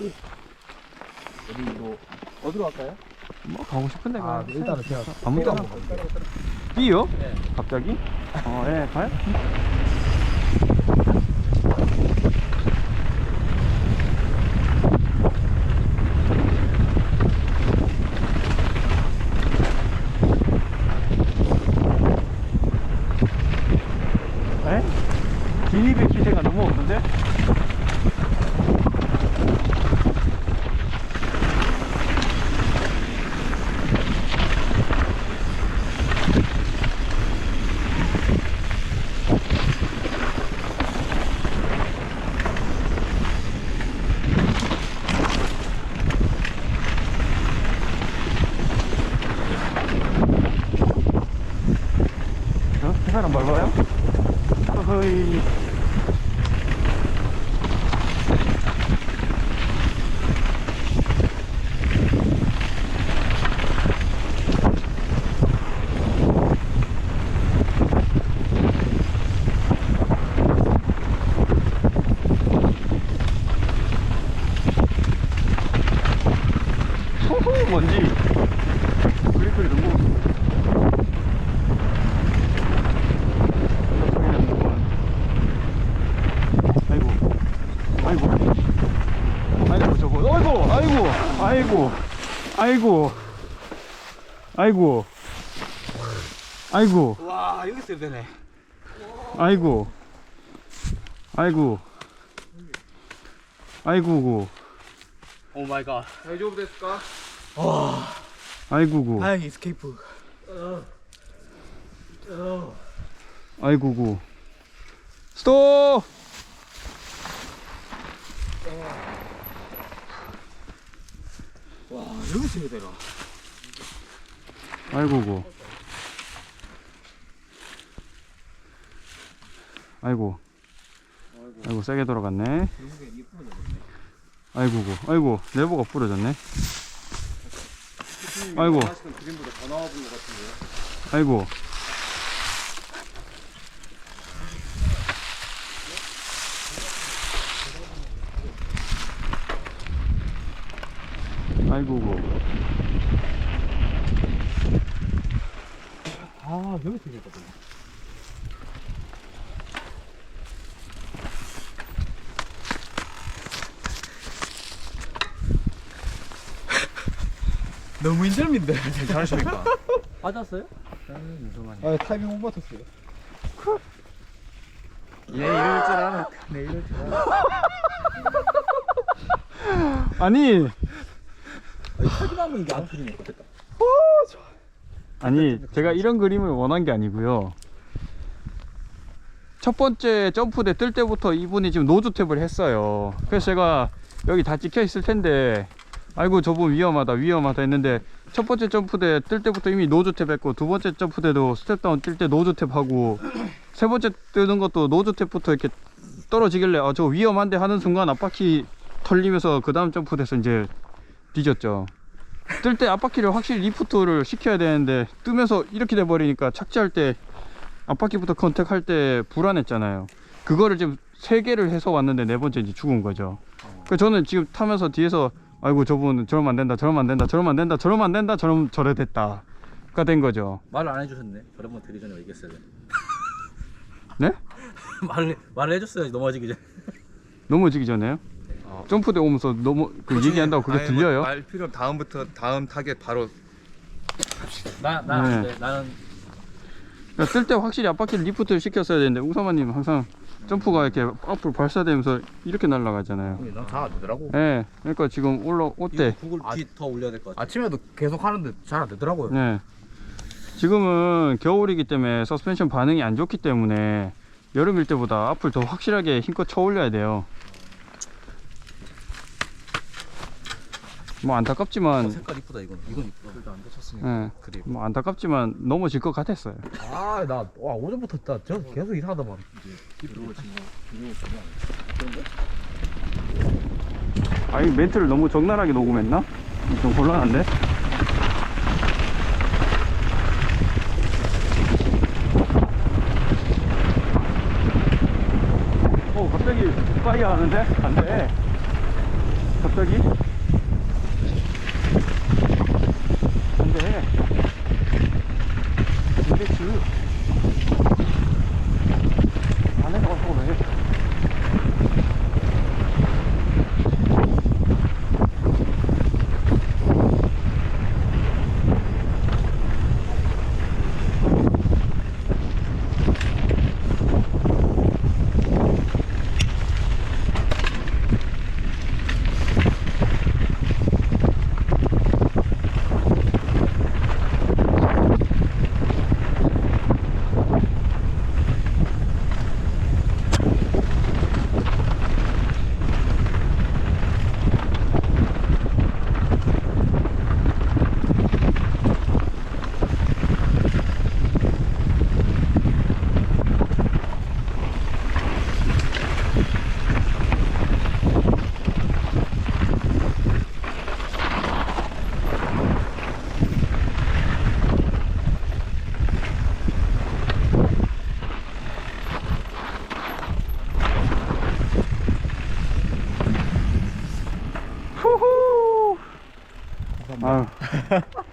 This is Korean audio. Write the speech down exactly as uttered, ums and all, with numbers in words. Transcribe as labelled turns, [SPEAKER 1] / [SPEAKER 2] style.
[SPEAKER 1] 어디 뭐 어디로 갈까요?
[SPEAKER 2] 뭐 가고 싶은데 가.
[SPEAKER 1] 아, 일단은 제가
[SPEAKER 2] 아무 데나. B요?
[SPEAKER 1] 네.
[SPEAKER 2] 갑자기? 어, 예, 가요? 에? 진입의 기세가 너무 없는데? 어? 해발 안 밟아요? 어허이. 호호, 뭔지. 그리그리 너무. 아이고, 아이고, 저거, 아이고, 아이고, 아이고, 아이고, 아이고, 아이고,
[SPEAKER 1] 와, 여기 있어야 되네.
[SPEAKER 2] 아이고, 아이고, 아이고고,
[SPEAKER 1] 오 마이 갓.
[SPEAKER 3] 다이조부 됐을까?
[SPEAKER 1] 와,
[SPEAKER 2] 아이고고,
[SPEAKER 1] 다행히 스케이프.
[SPEAKER 2] 아이고고, 스톱!
[SPEAKER 1] 와, 여기 있어야 되나?
[SPEAKER 2] 아이고고, 아이고, 아이고, 세게 돌아갔네. 아이고고, 아이고, 레버가 부러졌네. 아이고,
[SPEAKER 3] 그림보다 더 나와 본 것 같은데요?
[SPEAKER 2] 아이고. 아이고고.
[SPEAKER 1] 아, 여기 있어야 되거든. 너무 인절미인데.
[SPEAKER 3] 잘하십니까?
[SPEAKER 1] 맞았어요?
[SPEAKER 3] 아, 타이밍 못 맞췄어요.
[SPEAKER 1] 얘 이럴 줄 알아. 내 이럴 줄 알아.
[SPEAKER 2] 아니,
[SPEAKER 1] 타기만 하면 이게 안 풀리네.
[SPEAKER 2] 아니, 제가 이런 그림을 원한 게 아니고요. 첫 번째 점프대 뜰 때부터 이분이 지금 노즈 탭을 했어요. 그래서 제가 여기 다 찍혀 있을 텐데, 아이고 저분 위험하다 위험하다 했는데, 첫 번째 점프대 뜰 때부터 이미 노즈 탭 했고, 두 번째 점프대도 스텝다운 뜰 때 노즈 탭 하고, 세 번째 뜨는 것도 노즈 탭부터 이렇게 떨어지길래 아 저 위험한데 하는 순간 앞바퀴 털리면서 그 다음 점프대에서 이제 뒤졌죠. 뜰 때 앞바퀴를 확실히 리프트를 시켜야 되는데, 뜨면서 이렇게 돼 버리니까 착지할 때 앞바퀴부터 컨택할 때 불안했잖아요. 그거를 지금 세 개를 해서 왔는데 네 번째 이제 죽은 거죠. 그 저는 지금 타면서 뒤에서 아이고 저분 저러면 안 된다 저러면 안 된다 저러면 안 된다 저러면 안 된다 저러면 저래 됐다가 된 거죠.
[SPEAKER 1] 말을 안 해주셨네. 저런 번 드리 전에 얘기했어야 돼.
[SPEAKER 2] 네?
[SPEAKER 1] 말을 말을 해줬어야지 넘어지기 전에.
[SPEAKER 2] 넘어지기 전에요? 어. 점프대 오면서 너무 그 얘기한다고 그게 들려요?
[SPEAKER 3] 뭐, 말 필요 다음부터 다음 타겟 바로.
[SPEAKER 1] 나나
[SPEAKER 2] 네.
[SPEAKER 1] 안 돼. 나는
[SPEAKER 2] 그러니까 뜰 때 확실히 앞바퀴를 리프트를 시켰어야 되는데, 우사마님 항상 점프가 이렇게 앞으로 발사되면서 이렇게 날아가잖아요.
[SPEAKER 3] 난잘 안 되더라고.
[SPEAKER 2] 예. 네, 그러니까 지금 올라올 때,
[SPEAKER 1] 구글 빛 더 올려야 될 것 같아.
[SPEAKER 3] 아침에도 계속 하는데 잘 안 되더라고요.
[SPEAKER 2] 네. 지금은 겨울이기 때문에 서스펜션 반응이 안 좋기 때문에 여름일 때보다 앞을 더 확실하게 힘껏 쳐 올려야 돼요. 뭐 안타깝지만,
[SPEAKER 1] 어, 색깔 이쁘다 이건. 이건 이쁘다. 그래도 안 다쳤으니까.
[SPEAKER 2] 예.
[SPEAKER 1] 그래.
[SPEAKER 2] 뭐 안타깝지만 넘어질 것 같았어요.
[SPEAKER 3] 아, 나 와, 오전부터 나 저 계속 이상하다만.
[SPEAKER 2] 아니 멘트를 너무 적나라하게 녹음했나? 좀 곤란한데? 어 갑자기 파이어 하는데? 안돼. 갑자기? 안돼. 인덱스. 안에 가서 왜? 후후. 아유.